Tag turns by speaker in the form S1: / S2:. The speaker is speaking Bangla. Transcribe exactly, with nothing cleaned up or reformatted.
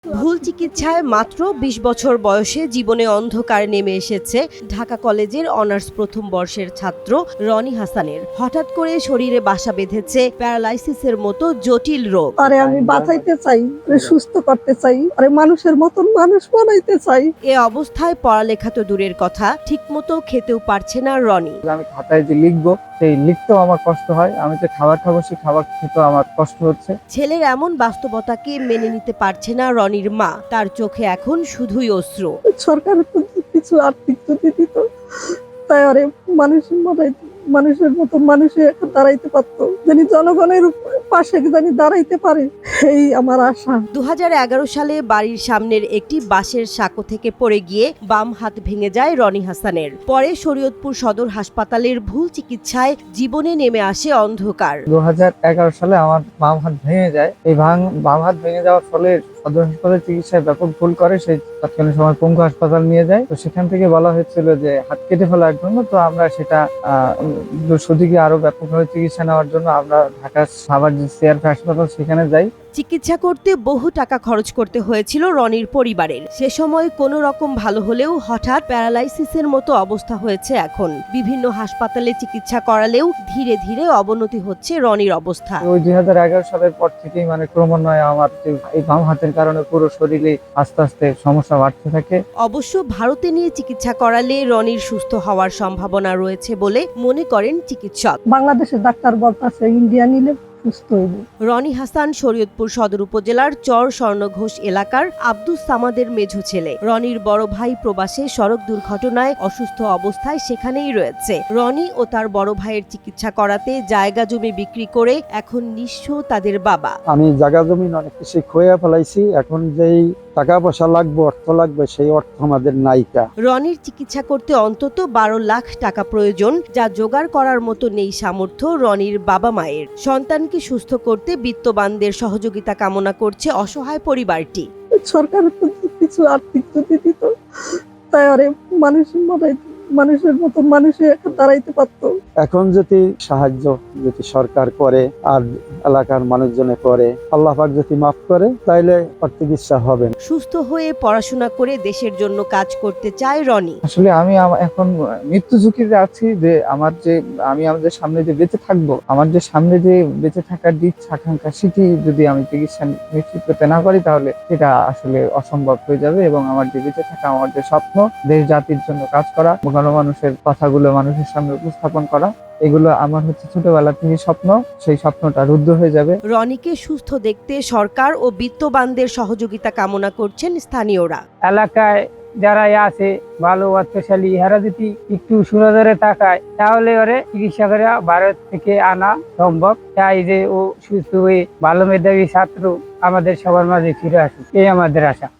S1: ভুল চিকিৎসায় মাত্র বিশ বছর বয়সে জীবনে অন্ধকার নেমে এসেছে ঢাকা কলেজের অনার্স প্রথম বর্ষের ছাত্র রনি হাসানের। হঠাৎ করে শরীরে বাসা বেঁধেছে প্যারালাইসিসের মতো জটিল রোগ।
S2: আরে আমি বাঁচাইতে চাই, সুস্থ করতে চাই, আরে মানুষের মতন মানুষ বানাইতে চাই।
S1: এ অবস্থায় পড়ালেখা তো দূরের কথা, ঠিকমতো খেতেও পারছে না রনি।
S3: আমি খাতায় যে লিখবো সেই লিখতেও আমার কষ্ট হয়, আমি যে খাবার খাবো সেই খাবার খেতেও আমার কষ্ট হচ্ছে।
S1: ছেলের এমন বাস্তবতাকে মেনে নিতে পারছে না রনির মা। তার চোখে এখন শুধুই অশ্রু।
S2: সরকার কিছু আর্থিক যদি দিত, তাই আরে মানুষ বানাইতে, মানুষের মতো মানুষে দাঁড়াইতে পারতো, জানি জনগণের পাশে জানি দাঁড়াইতে পারে, এই আমার আশা।
S1: দু হাজার এগারো সালে বাড়ির সামনের একটি বাঁশের সাঁকো থেকে পড়ে গিয়ে বাম হাত ভেঙে যায় রনি হাসানের। পরে শরীয়তপুর সদর হাসপাতালের ভুল চিকিৎসায় জীবনে নেমে আসে অন্ধকার।
S3: দু হাজার এগারো সালে আমার বাম হাত ভেঙে যায়। এই ভাঙ বাম হাত ভেঙে যাওয়ার ফলে সদর হাসপাতালে চিকিৎসায় ব্যাপক ভুল করে, সেই তৎকালীন সময় পঙ্গু হাসপাতাল নিয়ে যায়। তো সেখান থেকে বলা হয়েছিল যে হাত কেটে ফেলার জন্য। তো আমরা সেটা আহ শুধুকে আরো ব্যাপকভাবে চিকিৎসা নেওয়ার জন্য আমরা ঢাকার সাভার যে সিআরপি হাসপাতাল সেখানে যাই।
S1: চিকিৎসা করতে বহু টাকা খরচ করতে হয়েছিল রনির পরিবারের। সে সময় কোনো রকম ভালো হলেও হঠাৎ প্যারালাইসিসের মতো অবস্থা হয়েছে এখন। বিভিন্ন হাসপাতালে চিকিৎসা করালেও ধীরে ধীরে অবনতি হচ্ছে রনির অবস্থা।
S3: ওই দুই হাজার এগারো সালের পর থেকেই মানে ক্রমান্বয়ে আমার এই বাম হাতের কারণে পুরো শরীরে আস্তে আস্তে সমস্যা বাড়তে থাকে।
S1: অবশ্য ভারতে নিয়ে চিকিৎসা করালে রনির সুস্থ হওয়ার সম্ভাবনা রয়েছে বলে মনে করেন চিকিৎসক।
S2: বাংলাদেশের ডাক্তার বলতেছে ইন্ডিয়া নিলে সুস্থ হইব।
S1: রনি হাসান শরীয়তপুর সদর উপজেলার চর স্বর্ণঘোষ এলাকার আব্দুস সামাদের মেঝো ছেলে। রনির বড় ভাই প্রবাসে সড়ক দুর্ঘটনায় অসুস্থ অবস্থায় সেখানেই রয়েছে। রনি ও তার বড় ভাইয়ের চিকিৎসা করাতে জায়গা জমি বিক্রি করে এখন নিঃস্ব তাদের বাবা।
S4: আমি জায়গা জমি অনেক কিছু খোয়া ফেলাইছি, এখন যেই টাকা পয়সা লাগবে, অর্থ লাগবে, সেই অর্থ আমাদের নাইকা।
S1: রনির চিকিৎসা করতে অন্তত বারো লাখ টাকা প্রয়োজন, যা জোগাড় করার মতো নেই সামর্থ্য রনির বাবা মায়ের। সন্তানকে সুস্থ করতে বিত্তবানদের সহযোগিতা কামনা করছে অসহায় পরিবারটি।
S2: সরকার কিছু আর্থিক যদি দিত, তাই আরে মানুষ বানাইতে, মানুষের মতো মানুষে দাঁড়াইতে পারতো।
S4: এখন যদি সাহায্য যদি সরকার করে আর এলাকার মানুষজনে করে, আল্লাহ পাক যদি মাফ করে, তাইলে চিকিৎসা হবে।
S1: সুস্থ হয়ে পড়াশোনা করে দেশের জন্য কাজ করতে চায় রনি।
S3: আসলে আমি এখন মৃত্যু ঝুঁকিতে আছি, যে আমার যে আমি আমাদের সামনে যে বেঁচে থাকবো, আমার যে সামনে যে বেঁচে থাকার ইচ্ছা আকাঙ্ক্ষা, সেটি যদি আমি চিকিৎসা নিশ্চিত করতে না পারি, তাহলে সেটা আসলে অসম্ভব হয়ে যাবে। এবং আমার যে বেঁচে থাকা, আমার যে স্বপ্ন, দেশ জাতির জন্য কাজ করা, মানুষের কথাগুলো মানুষের সামনে উপস্থাপন করা, এগুলো আমার হচ্ছে ছোটবেলা থেকে স্বপ্ন। সেই স্বপ্নটা রুদ্ধ হয়ে যাবে।
S1: রনিকে সুস্থ দেখতে সরকার ও বিত্তবানদের সহযোগিতা কামনা করছেন স্থানীয়রা।
S5: এলাকায় যারা আছে ভালো অর্থশালী, এরা যদি একটু সুনজরে তাকায়, তাহলে ওরে চিকিৎসা করে ভারত থেকে আনা সম্ভব। তাই যে ও সুস্থ হয়ে ভালো মেধাবী ছাত্র আমাদের সবার মাঝে ফিরে আসুক, এই আমাদের আশা।